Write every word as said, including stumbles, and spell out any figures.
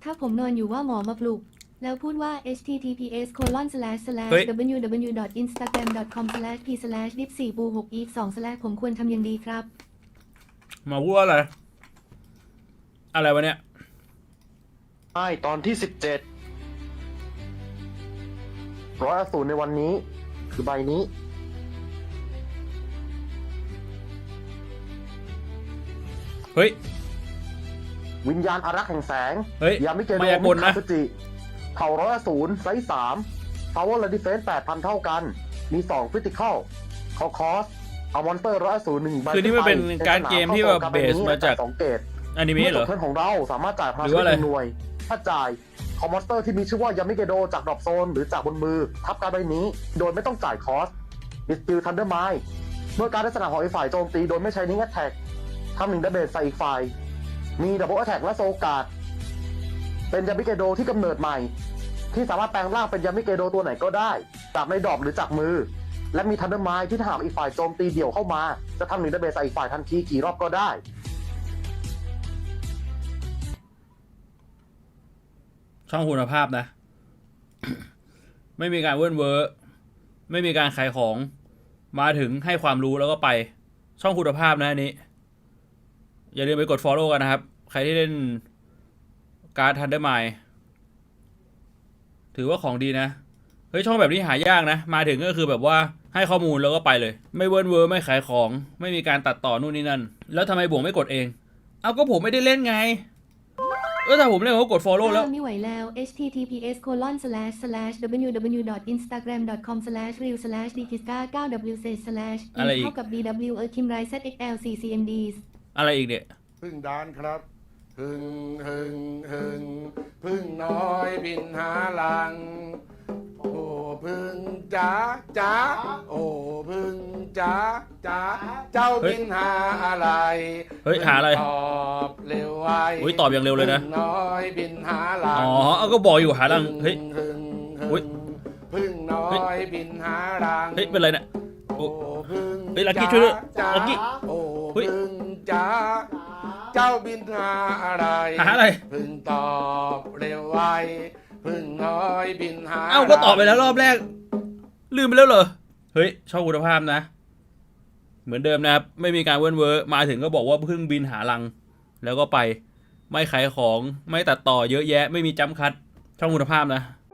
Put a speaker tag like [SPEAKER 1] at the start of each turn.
[SPEAKER 1] ถ้าผมนอนอยู่ว่าหมอมาปลุกแล้วพูดว่า https colon slash slash
[SPEAKER 2] เฮ้ย
[SPEAKER 1] www instagram com slash p slash dip สี่บูหก อีกสอง slash ผมควรทำยังดีครับ
[SPEAKER 2] มาพูดว่าอะไร อะไรวะเนี่ย
[SPEAKER 3] ใช่ตอนที่สิบเจ็ดร้อยอสูรในวันนี้ คือใบนี้
[SPEAKER 2] เฮ้ย
[SPEAKER 3] วิญญาณอารักษ์แห่งแสง
[SPEAKER 2] เฮ้ย
[SPEAKER 3] ยามิเกโด
[SPEAKER 2] มายากลนะ
[SPEAKER 3] มิคาซุจิเผ่าร้อยอสูรไซส์สาม Power และ Defense แปดพันเท่ากัน มีสอง Critical เขาคอสเอามอนสเตอร์ร้อยอสูรหนึ่งใบ
[SPEAKER 2] คือนี่มันเป็นการเกมที่แบบเบสมาจาก
[SPEAKER 3] สองเกต
[SPEAKER 2] อนิเมะเหรอ
[SPEAKER 3] เพื่อนของเราสามารถจ่ายพลัง
[SPEAKER 2] หรือว่าอะไร
[SPEAKER 3] ชีวิตหน่วย ถ้าจ่ายคอมมอนสเตอร์ที่มีชื่อว่ายามิเกโดจากดรอปโซนหรือจากบนมือ ทับการใบนี้ โดยไม่ต้องจ่ายคอสดิสติลทันเดอร์ไมล์เมื่อการได้สนามของอีกฝ่ายโจมตีโดยไม่ใช้นิ่งแอทแทกทำหนึ่งดาเมจใส่อีกฝ่าย มีดับเบิลแอทแทกและโซการ์ดเป็นยามิเกโดที่กำเนิดใหม่ ที่สามารถแปลงร่างเป็นยามิเกโดตัวไหนก็ได้ จากในดอกหรือจากมือ และมีทันเดอร์ไมล์ที่ถ้าหากอีกฝ่ายโจมตีเดี่ยวเข้ามาจะทำหนึ่งดาเมจใส่อีกฝ่ายทันทีกี่รอบก็ได้
[SPEAKER 2] ช่องคุณภาพนะ ไม่มีการเวิร์นเวอร์ไม่มีการขายของ มาถึงให้ความรู้แล้วก็ไป ช่องคุณภาพนะอันนี้ อย่าลืมไปกด follow กันนะครับ ใครที่เล่นการ์ดทันเดอร์ไมล์ถือว่าของดีนะ เฮ้ยช่องแบบนี้หายากนะ มาถึงก็คือแบบว่าให้ข้อมูลแล้วก็ไปเลย ไม่เวิร์นเวอร์ไม่ขายของ ไม่มีการตัดต่อนู่นนี่นั่น แล้วทำไมบวงไม่กดเอง เอาก็ผมไม่ได้เล่นไง เออถ้าผมเล่นผมก็กด follow แล้ว
[SPEAKER 1] ไม่ไหวแล้ว https colon slash slash www instagram com slash real slash dikiska เก้า w slash
[SPEAKER 2] อะไรอีก
[SPEAKER 1] เท่ากับ bw เออคิมไรซ์ zxl ccmds
[SPEAKER 2] อะไรอีกเนี่ย
[SPEAKER 4] พึ่งดานครับพึ่งพึ่งพึ่งพึ่งน้อยบินหาลัง โอ้พึ่งจ๋าจ๋าโอ้พึ่งจ๋าจ๋าเจ้า
[SPEAKER 2] เฮ้ย
[SPEAKER 4] บินหาอะไร
[SPEAKER 2] เฮ้ยหาอะไร
[SPEAKER 4] พึ่งตอบเร็วไว
[SPEAKER 2] อุ๊ยตอบอย่างเร็วเลยนะ
[SPEAKER 4] พึ่งน้อยบินหาลัง
[SPEAKER 2] อ๋อเอาก็บอกอยู่หาลังเฮ้ย
[SPEAKER 4] พึ่ง
[SPEAKER 2] อุ๊
[SPEAKER 4] พึ่
[SPEAKER 2] ย
[SPEAKER 4] งพึ่งน้อยบินหาลัง
[SPEAKER 2] เฮ้ยเป็นไรเนี่ย โอ้
[SPEAKER 4] โอ้พึ่ง
[SPEAKER 2] เฮ้ยลักกี้ช่วยด้วย
[SPEAKER 4] จ๋า
[SPEAKER 2] ลักกี้
[SPEAKER 4] โอ้
[SPEAKER 2] เฮ้ย
[SPEAKER 4] พึ่งจ๋าเจ้าบินหาอะไร
[SPEAKER 2] หาอะไร
[SPEAKER 4] พึ่งตอบเร็วไวพึ่งน้อยบินหา
[SPEAKER 2] เอ้าก็ตอบไปแล้วรอบแรก ลืมไปแล้วเหรอ เฮ้ยช่องคุณภาพนะ เหมือนเดิมนะครับ ไม่มีการเวิร์นเวอร์มาถึงก็บอกว่าเพิ่งบินหาลัง แล้วก็ไป ไม่ขายของ ไม่ตัดต่อเยอะแยะ ไม่มีจัมป์คัท ช่องคุณภาพนะ